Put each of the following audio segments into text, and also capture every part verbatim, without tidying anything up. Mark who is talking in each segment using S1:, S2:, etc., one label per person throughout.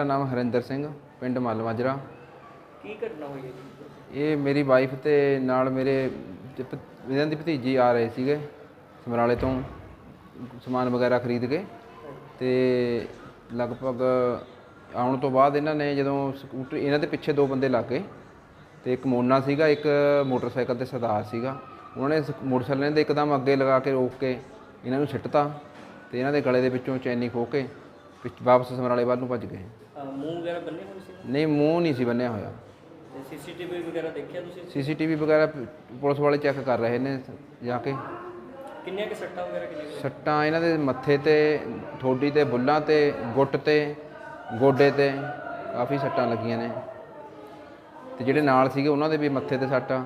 S1: ਨਾਮ ਹਰਿੰਦਰ ਸਿੰਘ, ਪਿੰਡ ਮੱਲ ਮਾਜਰਾ।
S2: ਕੀ ਘਟਨਾ ਹੋਈ ਹੈ ਜੀ?
S1: ਇਹ ਮੇਰੀ ਵਾਈਫ ਤੇ ਨਾਲ ਮੇਰੇ ਜ- ਭ- ਇਹਨਾਂ ਦੀ ਭਤੀਜੀ ਆ ਰਹੇ ਸੀਗੇ ਸਮਰਾਲੇ ਤੋਂ ਸਮਾਨ ਵਗੈਰਾ ਖਰੀਦ ਕੇ। ਤੇ ਲਗਭਗ ਆਉਣ ਤੋਂ ਬਾਅਦ ਇਹਨਾਂ ਨੇ ਜਦੋਂ ਸਕੂਟਰ, ਇਹਨਾਂ ਦੇ ਪਿੱਛੇ ਦੋ ਬੰਦੇ ਲੱਗ ਗਏ ਤੇ ਇੱਕ ਮੋਨਾ ਸੀਗਾ, ਇੱਕ ਮੋਟਰਸਾਈਕਲ ਤੇ ਸਰਦਾਰ ਸੀਗਾ। ਉਹਨਾਂ ਨੇ ਸ- ਮੋਟਰਸਾਈਕਲ ਦੇ ਇੱਕਦਮ ਅੱਗੇ ਲਗਾ ਕੇ ਰੋਕ ਕੇ ਇਹਨਾਂ ਨੂੰ ਸਿੱਟਤਾ ਤੇ ਇਹਨਾਂ ਦੇ ਗਲੇ ਦੇ ਵਿੱਚੋਂ ਚੈਨੀ ਖੋਹ ਕੇ ਪਿੱਛ ਵਾਪਸ ਸਮਰਾਲੇ ਵੱਲ ਨੂੰ ਭੱਜ ਗਏ।
S2: ਅਹ ਮੂੰਹ ਵਗੈਰਾ ਬੰਨੇ ਹੋਏ ਸੀ
S1: ਨਹੀਂ, ਮੂੰਹ ਨਹੀਂ ਸੀ ਬੰਨਿਆ ਹੋਇਆ।
S2: ਤੇ ਸੀਸੀਟੀਵੀ ਵਗੈਰਾ ਦੇਖਿਆ ਤੁਸੀਂ?
S1: ਸੀਸੀਟੀਵੀ ਵਗੈਰਾ ਪ- ਪੁਲਿਸ ਵਾਲੇ ਚੈੱਕ ਕਰ ਰਹੇ ਨੇ ਜਾ ਕੇ।
S2: ਕਿੰਨੀਆਂ ਕਿ ਸੱਟਾਂ ਵਗੈਰਾ ਕਿੰਨੀਆਂ ਕੁ?
S1: ਸੱਟਾਂ ਇਹਨਾਂ ਦੇ ਮੱਥੇ ਤੇ, ਠੋਡੀ ਤੇ, ਬੁੱਲਾਂ ਤੇ, ਗੁੱਟ ਤੇ, ਗੋਡੇ ਤੇ ਕਾਫੀ ਸੱਟਾਂ ਲੱਗੀਆਂ ਨੇ। ਤੇ ਜਿਹੜੇ ਨਾਲ ਸੀਗੇ ਉਹਨਾਂ ਦੇ ਵੀ ਮੱਥੇ ਤੇ ਸੱਟਾਂ।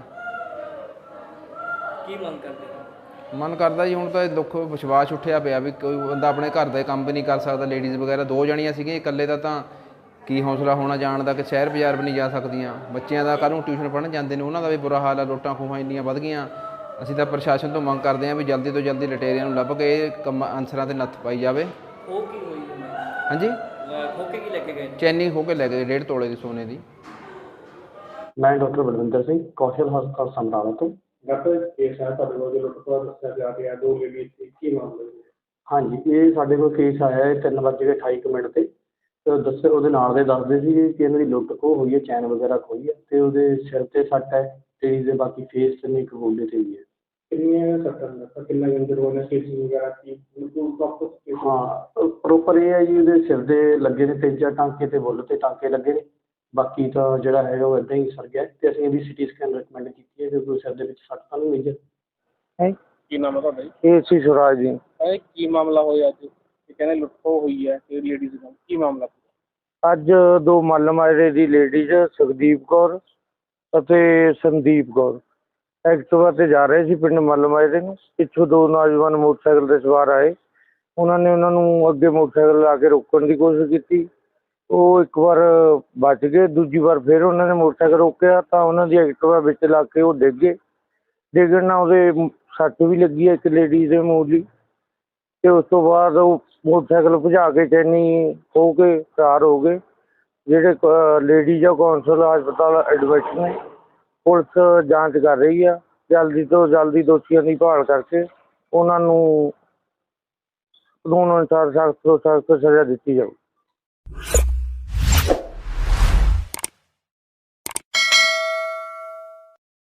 S2: ਕੀ ਮੰਗ ਕਰਦੇ ਹੋ?
S1: ਮਨ ਕਰਦਾ ਜੀ ਹੁਣ ਤਾਂ ਦੁੱਖ ਵਿਸ਼ਵਾਸ ਉੱਠਿਆ ਪਿਆ ਵੀ ਕੋਈ ਬੰਦਾ ਆਪਣੇ ਘਰ ਦਾ ਕੰਮ ਵੀ ਨਹੀਂ ਕਰ ਸਕਦਾ। ਲੇਡੀਜ਼ ਵਗੈਰਾ ਦੋ ਜਣੀਆਂ ਸੀਗੀਆਂ, ਇਕੱਲੇ ਦਾ ਤਾਂ ਕੀ ਹੌਸਲਾ ਹੋਣਾ ਜਾਣ ਦਾ ਕਿ ਸ਼ਹਿਰ ਬਾਜ਼ਾਰ ਵੀ ਨਹੀਂ ਜਾ ਸਕਦੀਆਂ। ਬੱਚਿਆਂ ਦਾ ਕੱਲ੍ਹ ਨੂੰ ਟਿਊਸ਼ਨ ਪੜ੍ਹਨ ਜਾਂਦੇ ਨੇ, ਉਹਨਾਂ ਦਾ ਵੀ ਬੁਰਾ ਹਾਲ ਆ। ਲੁੱਟਾਂ ਖੋਹਾਂ ਇੰਨੀਆਂ ਵੱਧ ਗਈਆਂ। ਅਸੀਂ ਤਾਂ ਪ੍ਰਸ਼ਾਸਨ ਤੋਂ ਮੰਗ ਕਰਦੇ ਹਾਂ ਵੀ ਜਲਦੀ ਤੋਂ ਜਲਦੀ ਲਟੇਰਿਆਂ ਨੂੰ ਲੱਭ ਕੇ ਇਹ ਕੰਮ ਅਨਸਰਾਂ 'ਤੇ ਨੱਥ ਪਾਈ ਜਾਵੇ।
S2: ਉਹ ਕੀ ਹੋਈ ਹੈ?
S1: ਹਾਂਜੀ,
S2: ਖੋ ਕੇ ਕੀ ਲੈ ਕੇ ਗਏ ਨੇ?
S1: ਚੈਨੀ ਹੋ ਕੇ ਲੈ ਗਏ ਡੇਢ ਤੋਲੇ ਦੀ ਸੋਨੇ ਦੀ।
S3: ਮੈਂ ਡਾਕਟਰ ਬਲਵਿੰਦਰ ਸਿੰਘ, ਕੌਸ਼ਲ ਹਸਪਤਾਲ ਸਮਰਾਲਾ ਤੋਂ।
S4: ਡਾਕਟਰ ਕੇਸ ਹੈ ਤੁਹਾਡੇ ਕੋਲ ਜੋ ਲੁੱਟਖੋਆ ਦੱਸਿਆ ਜਾ ਰਿਹਾ, ਦੋ ਲੇਡੀ ਸੀ, ਕੀ ਮਾਮਲਾ ਹੈ?
S3: ਹਾਂਜੀ, ਇਹ ਸਾਡੇ ਕੋਲ ਕੇਸ ਆਇਆ ਹੈ ਤਿੰਨ ਵੱਜ ਕੇ ਅਠਾਈ ਕੁ ਮਿੰਟ 'ਤੇ। ਤੇ ਦੱਸੇ ਉਹਦੇ ਨਾਲ ਦੇ ਦੱਸਦੇ ਸੀ ਕਿ ਇਹਨਾਂ ਦੀ ਲੁੱਟ ਖੋਹ ਹੋਈ ਹੈ, ਚੈਨ ਵਗੈਰਾ ਖੋਈ ਹੈ ਅਤੇ ਉਹਦੇ ਸਿਰ 'ਤੇ ਸੱਟ ਹੈ ਅਤੇ ਇਹਦੇ ਬਾਕੀ ਫੇਸ 'ਤੇ ਇੱਕ ਗੋਡੇ 'ਤੇ ਵੀ ਹੈ।
S4: ਕਿੰਨੀਆਂ ਸੱਟਾਂ ਨੇ, ਕਿੰਨਾ ਇੰਜਰ ਹੋਇਆ, ਸਟਿਚਿੰਗ ਵਗੈਰਾ ਕੀ ਬਿਲਕੁਲ ਪ੍ਰੋਪਰ?
S3: ਹਾਂ, ਪ੍ਰੋਪਰ ਇਹ ਹੈ ਜੀ, ਉਹਦੇ ਸਿਰ ਦੇ ਲੱਗੇ ਨੇ ਤਿੰਨ ਚਾਰ ਟਾਂਕੇ ਅਤੇ ਬੁੱਲ 'ਤੇ ਟਾਂਕੇ ਲੱਗੇ ਨੇ। ਬਾਕੀ ਤਾਂ ਜਿਹੜਾ ਹੈਗਾ ਉਹ ਇੱਦਾਂ ਹੀ ਸਰ ਗਿਆ ਅਤੇ ਅਸੀਂ ਇਹਦੀ ਸਿਟੀ ਸਕੈਨ ਰਿਕਮੈਂਡ ਕੀਤੀ ਹੈ ਕਿਉਂਕਿ ਸਿਰ ਦੇ ਵਿੱਚ ਸੱਟ ਤਾਂ ਨਹੀਂ ਮੇਜਰ ਹੈ।
S4: ਕੀ ਨਾਮ ਹੈ ਤੁਹਾਡਾ ਜੀ?
S3: ਇਹ ਸੀ ਸੁਰਾਜ ਜੀ।
S4: ਇਹ ਕੀ ਮਾਮਲਾ ਹੋਇਆ ਅੱਜ? ਇਹ ਕਹਿੰਦੇ ਲੁੱਟਖੋਹ ਹੋਈ ਹੈ ਤੇ ਲੇਡੀਜ਼ ਨਾਲ ਕੀ ਮਾਮਲਾ?
S3: ਅੱਜ ਦੋ ਮੱਲ ਮਾਜਰੇ ਦੀ ਲੇਡੀਜ਼ ਸੁਖਦੀਪ ਕੌਰ ਅਤੇ ਸੰਦੀਪ ਕੌਰ ਐਕਟਿਵਾ 'ਤੇ ਜਾ ਰਹੇ ਸੀ ਪਿੰਡ ਮੱਲ ਮਾਜਰੇ ਨੂੰ। ਪਿੱਛੋਂ ਦੋ ਨੌਜਵਾਨ ਮੋਟਰਸਾਈਕਲ 'ਤੇ ਸਵਾਰ ਆਏ। ਉਹਨਾਂ ਨੇ ਉਹਨਾਂ ਨੂੰ ਅੱਗੇ ਮੋਟਰਸਾਈਕਲ ਲਾ ਕੇ ਰੋਕਣ ਦੀ ਕੋਸ਼ਿਸ਼ ਕੀਤੀ। ਉਹ ਇੱਕ ਵਾਰ ਬਚ ਗਏ, ਦੂਜੀ ਵਾਰ ਫਿਰ ਉਹਨਾਂ ਨੇ ਮੋਟਰਸਾਈਕਲ ਰੋਕਿਆ ਤਾਂ ਉਹਨਾਂ ਦੀ ਐਕਟਿਵਾ ਵਿੱਚ ਲੱਗ ਕੇ ਉਹ ਡਿੱਗ ਗਏ। ਡਿੱਗਣ ਨਾਲ ਉਹਦੇ ਸੱਟ ਵੀ ਲੱਗੀ ਹੈ ਇੱਕ ਲੇਡੀਜ਼ ਦੇ ਮੂੰਹ ਦੀ। ਅਤੇ ਉਸ ਤੋਂ ਬਾਅਦ ਉਹ ਮੋਟਰਸਾਈਕਲ ਭਜਾ ਕੇ ਚੈਨੀ ਖੋਹ ਕੇ ਫਰਾਰ ਹੋ ਗਏ। ਜਿਹੜੇ ਲੇਡੀਜ਼ ਆ ਕੌਂਸਲ ਹਸਪਤਾਲ ਐਡਮਿਟ ਨੇ। ਪੁਲਿਸ ਜਾਂਚ ਕਰ ਰਹੀ ਆ, ਜਲਦੀ ਤੋਂ ਜਲਦੀ ਦੋਸ਼ੀਆਂ ਦੀ ਭਾਲ ਕਰਕੇ ਉਹਨਾਂ ਨੂੰ ਕਾਨੂੰਨ ਅਨੁਸਾਰ ਸਖਤ ਤੋਂ ਸਖਤ ਸਜ਼ਾ ਦਿੱਤੀ ਜਾਊ।